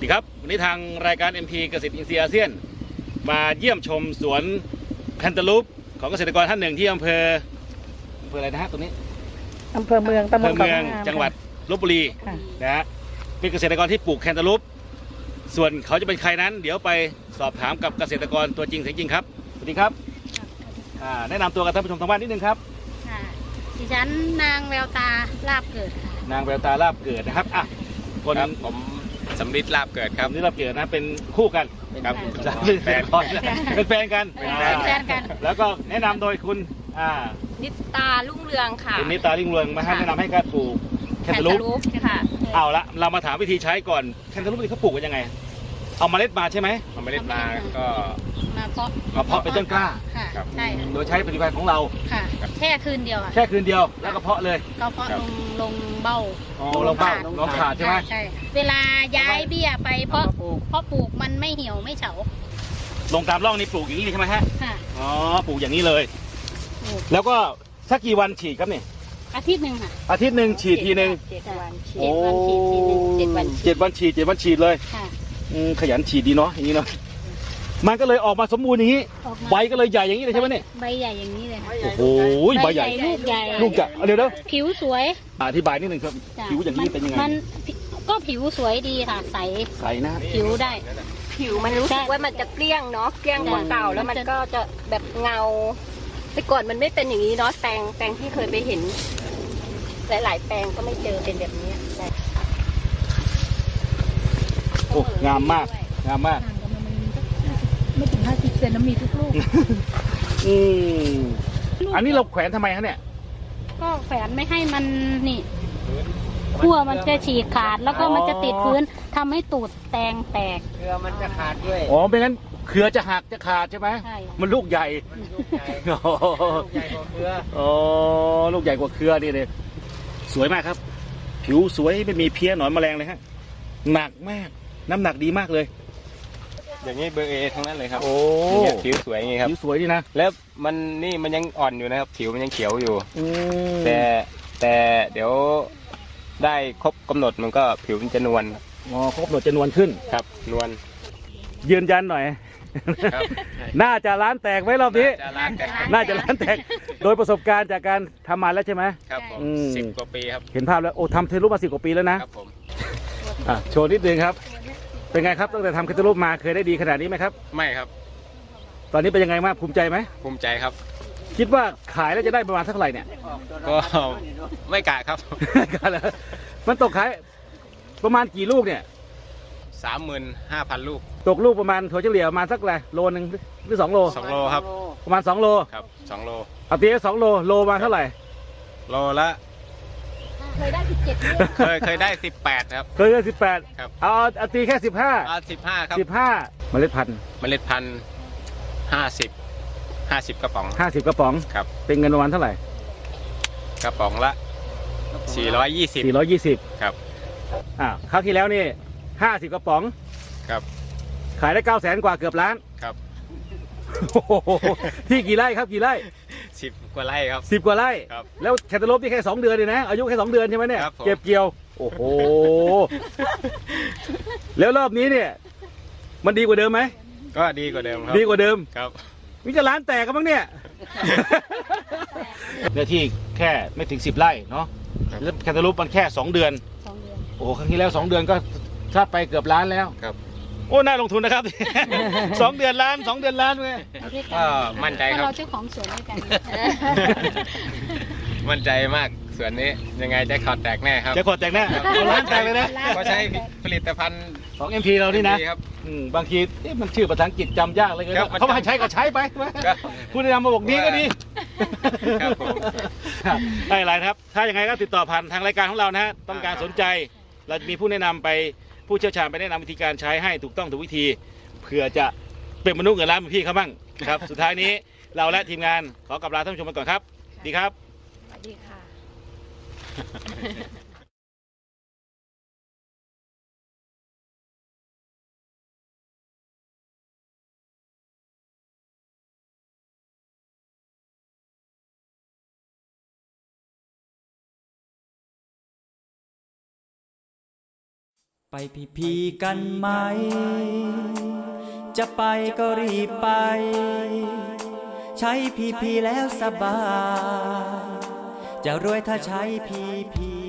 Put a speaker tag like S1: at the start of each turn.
S1: ดีครับวันนี้ทางรายการ MP เกษตรอินทรีย์อาเซียนมาเยี่ยมชมสวนแคนตาลูปของเกษตรกรท่านหนึ่งที่อำเภออะไรนะฮะตรงนี้
S2: อำเภอเมืองตำบล
S1: เมืองจังหวัดลพบุรีนะฮะเป็นเกษตรกรที่ปลูกแคนตาลูปส่วนเขาจะเป็นใครนั้นเดี๋ยวไปสอบถามกับเกษตรกรตัวจริงเสียงจริงครับสวัสดีครับแนะนำตัวกับท่านผู้ชมทางบ้านนิดนึงครับ
S3: ดิฉันนางแววตาลาบเกิดค่ะ
S1: นางแววตาลาบเกิดนะครับคน
S4: ผมสำริดลาบเกิดครับ
S1: นี่ลาบเกิดนะเป็นคู่กัน
S4: ครับ
S1: เป็นแฟนกันเป็นแฟนกันแล้วก็แนะนำโดยคุณ
S3: นิตาลุ่งเรืองค่ะ
S1: คุณนิตาลุ่งเรืองมาให้แนะนำให้การปลูกแคนตาลูป
S3: ค่ะ
S1: เอาละเรามาถามวิธีใช้ก่อนแคนตาลูปนี่เขาปลูกกันยังไงเอาเมล็ดมาใช่ไหม
S4: เอาเมล็ดมาก็
S3: มา
S1: เพาะเป็นต้นกล้า
S3: ใช่
S1: โดยใช้ผลิตภัณฑ์ของเรา
S3: ค่ะแค่คืนเดียว
S1: แค่คืนเดียวแล้วก็เพาะเลย
S3: ก็เพาะลงเบ้า
S1: ลงเบ้าลงขาดใช่ไหม
S3: ใช่เวลาย้ายเบี้ยไปเพราะปลูกมันไม่เหี่ยวไม่เฉา
S1: ลงตามร่องนี่ปลูกอย่างนี้ใช่ไหมฮะ
S3: ค่ะ
S1: อ๋อปลูกอย่างนี้เลยแล้วก็สักกี่วันฉีดครับเนี่ย
S3: อาทิตย์หนึ่งค่ะ
S1: อาทิตย์หนึ่งฉีดทีหนึ่ง
S3: 7 วันฉีดทีนึง7 วัน
S1: ฉีดเลยขยันฉีดดีเนาะอย่างนี้เนาะมันก็เลยออกมาสมบูรณ์อย่างนี้ใบก็เลยใหญ่อย่างนี้เลยใช่ไหมเนี่ย
S3: ใบใหญ่อย่างนี้เลย
S1: โอ้โหใบใหญ่
S3: ลูกใหญ่
S1: เดี๋ยว
S3: ผิวสวย
S1: อธิบายนิดนึงครับผิวอย่างนี้เป็นยังไง
S3: มันก็ผิวสวยดีค่ะใส
S1: นะ
S3: ผิวได้
S5: ผิวมันรู้สึกว่ามันจะเกลี้ยงเนาะเกลี้ยงกว่าเก่าแล้วมันก็จะแบบเงาแต่ก่อนมันไม่เป็นอย่างนี้เนาะแปลงที่เคยไปเห็นหลายๆแปลงก็ไม่เจอเป็นแบบนี้
S1: โอ้งามมาก
S2: ไม่ถึง50 เซนแล้วมีทุกลูก
S1: อันนี้เราแขวนทำไมฮะเนี่ย
S3: ก็แขวนไม่ให้มันนี่ขั้วมันจะฉีกขาดแล้วก็มันจะติดพื้นทำให้ตูดแตงแตก
S4: เครือมันจะขาดด้วย
S1: ไม่งั้นเครือจะหักจะขาดใช่ไหม
S3: ใช่
S1: มันลูกใหญ่
S4: ลูกใหญ่กว่าเครือ
S1: ลูกใหญ่กว่าเครือนี่เลยสวยมากครับผิวสวยไม่มีเพี้ยหนอนแมลงเลยฮะหนักมากน้ำหนักดีมากเลย
S4: อย่างนี้เบอร์เอทั้งนั้นเลยครับผิวสวยอย่างนี้ครับ
S1: ผิวสวยดีนะ
S4: แล้วมันยังอ่อนอยู่นะครับผิวมันยังเขียวอยู่แต่เดี๋ยวได้ครบกำหนดมันก็ผิวมันจะนวล
S1: ครบกำหนดจะนวลขึ้น
S4: ครับนวล
S1: ยืนยันหน่อยน่าจะร้านแตกไว้รอบนี้น่าจะร้านแตกโดยประสบการณ์จากการทำมาแล้วใช่ไหม
S4: ครับผม10 กว่าปีครับ
S1: เห็นภาพแล้วทำเทรูปมา10 กว่าปีแล้วนะครับ
S4: ผม
S1: โชว์นิดนึงครับเป็นไงครับตั้งแต่ทำเทรูปมาเคยได้ดีขนาดนี้ไหมครับ
S4: ไม่ครับ
S1: ตอนนี้เป็นยังไงบ้างภูมิใจไหม
S4: ภูมิใจครับ
S1: คิดว่าขายแล้วจะได้ประมาณเท่าไหร่เนี่ย
S4: ก็ไม่กะครับ
S1: มันตกขายประมาณกี่ลูกเนี่ย
S4: 35,000 ลูก
S1: ตกลูกประมาณถั่วเฉลี่ยประมาณสักอะไรโลนึงหรือ2 โล
S4: 2 โลครับ
S1: ประมาณ2 โล
S4: ครับ2 โล
S1: เอาตี2 โลมาเท่าไหร่
S4: โลละ
S3: เคยได้17
S4: เคยได้18ครับ
S1: เคยได้18
S4: ครับ
S1: เอาตีแค่15
S4: 15ครับ
S1: 15เมล็ดพันธุ์
S4: 50 กระป๋อง
S1: 50 กระป๋อง
S4: ครับ
S1: เป็นเงินประมาณเท่าไหร่
S4: กระป๋องละ420
S1: ครับคราวที่แล้วนี่50 กระป๋อง
S4: ครับ
S1: ขายได้900,000 กว่าเกือบล้าน
S4: ครับ
S1: ที่กี่ไร่ครับกี่ไร่
S4: 10 กว่าไร่ครับ
S1: 10 กว่าไร่
S4: ครับ
S1: แล้วแคนตาลูปนี่แค่2 เดือนเลยนะอายุแค่2 เดือนใช่ไหมเนี่ยเก็บเกี่ยวโอ้โหแล้วรอบนี้เนี่ยมันดีกว่าเดิมไหม
S4: ก็ดีกว่าเดิมครับ
S1: ดีกว่าเดิม
S4: ครับ
S1: มิจะร้านแตกกันบ้างเนี่ยเนื้อที่แค่ไม่ถึง10 ไร่เนาะแล้วแคนตาลูปมันแค่2 เดือนโอ้ครั้งที่แล้ว2 เดือนก็ถ้าไปเกือบล้านแล้ว
S4: ครับ
S1: โอ้น่าลงทุนนะครับ2 เดือนล้าน2 เดือนล้านเลย
S4: ก็มั่นใจครับ
S3: เราเจ้าของสวนด้วยกัน
S4: มั่นใจมากสวนนี้ยังไงจะขอดแตกแน่ครับ
S1: จะขอดแตกแน่ร้านแตกเลยนะ
S4: ก็ใช้ผลิตภัณฑ์
S1: ของ MP เรานี่นะบางทีมันชื่อภาษาอังกฤษจำยากเลยเขาให้ใช้ก็ใช้ไปผู้แนะนำมาบอกดีก็ดี
S4: ครับผม
S1: ได้หลายครับถ้าอย่างไรก็ติดต่อผ่านทางรายการของเรานะฮะต้องการสนใจเราจะมีผู้แนะนำไปผู้เชี่ยวชาญไปแนะนำวิธีการใช้ให้ถูกต้องถูกวิธีเผื่อจะเป็นมนุษย์เงินล้านเหมือนพี่เขาบ้างครับสุดท้ายนี้เราและทีมงานขอกลับลาท่านผู้ชมไปก่อนครับดีครับ
S3: สวัสดีค่ะ
S6: ไปพีกันไหม จะไปก็รีบไป ใช้พีแล้วสบาย จะรวยถ้าใช้พี